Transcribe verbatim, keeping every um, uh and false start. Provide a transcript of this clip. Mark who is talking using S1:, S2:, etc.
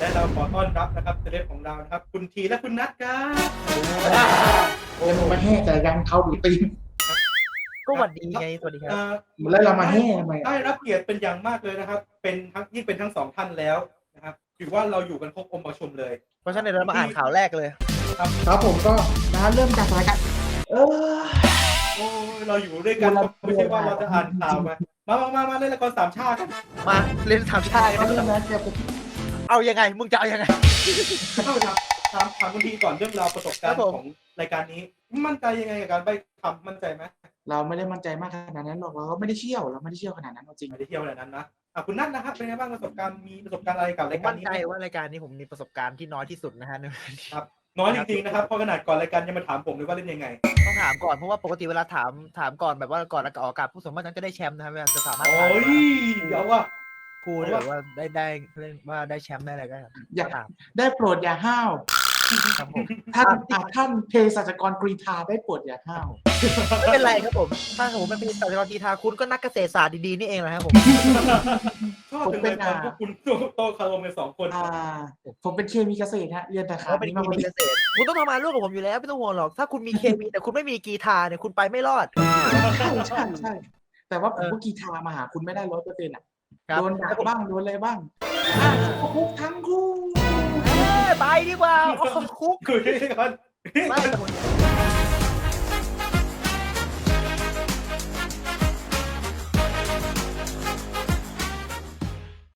S1: และเราขอต้อนรับนะครับเซเลบของเรานะครับคุณทีและคุณนัทครับ
S2: โอ้ยมาแห่ใจกันเขาดูตีน
S3: ก็หวัดดีไงสวัสดีครับ
S1: เอ่อ
S2: แล้วเรามาแห่ทำไม
S1: ได้รับเกียรติเป็นอย่างมากเลยนะครับ เป็นทั้งยิ่งเป็นทั้งสองท่านแล้วนะครับถือว่าเราอยู่กันครบองค์ประชุมเลย
S3: เพราะฉะนั้นเดี๋ยวเรามาอ่านข่าวแรกเลย
S2: ครับผมก็นะเริ่มจากสถานการณ์เออ
S1: โอ้ยเราอยู่ด้วยกันไม่ใช่ว่าเราจะอ่านข่าวมามามามามาเล่นละครสามชาติกัน
S3: มาเล่นถามชาติ
S2: เอาเรื่องนั้นเดี๋ยวผม
S3: เอายังไงมึงจะเอายังไง
S1: เข้าไปถามถามถามคุณทีก่อนเรื่องราวประสบการณ์
S3: ครับผม
S1: ของรายการนี้ มั่นใจยังไงกับการไปทำมั่นใจไหม
S2: เราไม่ได้มั่นใจมากขนาดนั้นหรอกเราก็ไม่ได้เชี่ยวเราไม่ได้เชี่ยวขนาดนั้นเอาจริง
S1: ไม่ได้เที่ยวอะไรนั้นนะอ่ะคุณนัทนะครับเป็นไงบ้างประสบการณ์มีประสบการณ์อะไรกับ
S3: ผม
S1: รายการ
S3: มั่น
S1: นี้
S3: ใจ
S1: ไหม
S3: ว่ารายการนี้ผมมีประสบการณ์ที่น้อยที่สุดนะฮะ
S1: ครับน้อยจริงๆนะครับเพราะขนาดก่อนรายการยังมาถามผมเลยว่าเล่นยังไง
S3: ต้องถามก่อนเพราะว่าปกติเวลาถามถามก่อนแบบว่าก่อนออกอากาศผู้สมมตินั้นจะได้แชมป์นะครับจะสามารถ
S1: โอ้ยเดี๋ยวว่า
S3: พูดแบบว่าได้ได้เล่นว่าได้แชมป์ได้อะไรก็
S2: อย่า
S3: ถาม
S2: ได้โปรดอย่าห้าว
S3: ครับผม
S2: ท่านอ่ะท่านเภสัชกรกรีธาได้โปรดอย่าห้าว
S3: ไม่เป็นไรครับผมถ้าผมเป็นปีศาจกรทีทาคุณก็นักเกษตรศาสตร์ดีๆนี่เองแหละครับผม
S1: ชอบจังเลยตอนพวกคุณโตคารมกันสองคน
S2: อ่าผมเป็นเคมีเกษตรฮะเรียนแต่ขา
S3: เขาเป็น
S2: นี้
S3: เค
S2: มาพอ
S3: มี
S2: ดี
S3: เกษตรคุณต้องทำงานร่วมกับผมอยู่แล้วไม่ต้องห่วงหรอกถ้าคุณมีเคมีแต่คุณไม่มีกีทาเนี่ยคุณไปไม่รอด
S2: ใช่ใช่ใช่แต่ว่าผมก็กีทามาหาคุณไม่ได้ร้อยเปอร์เซ็นต์อ่ะ
S3: ครับ
S2: โดนด่าบ้างโดนอะไรบ้างอ่ะคุกทั้งคู่
S3: เอ้ยไปดีกว่าโอ้โหคุก
S1: คือที่ก่อน
S3: ไม่แต่ผม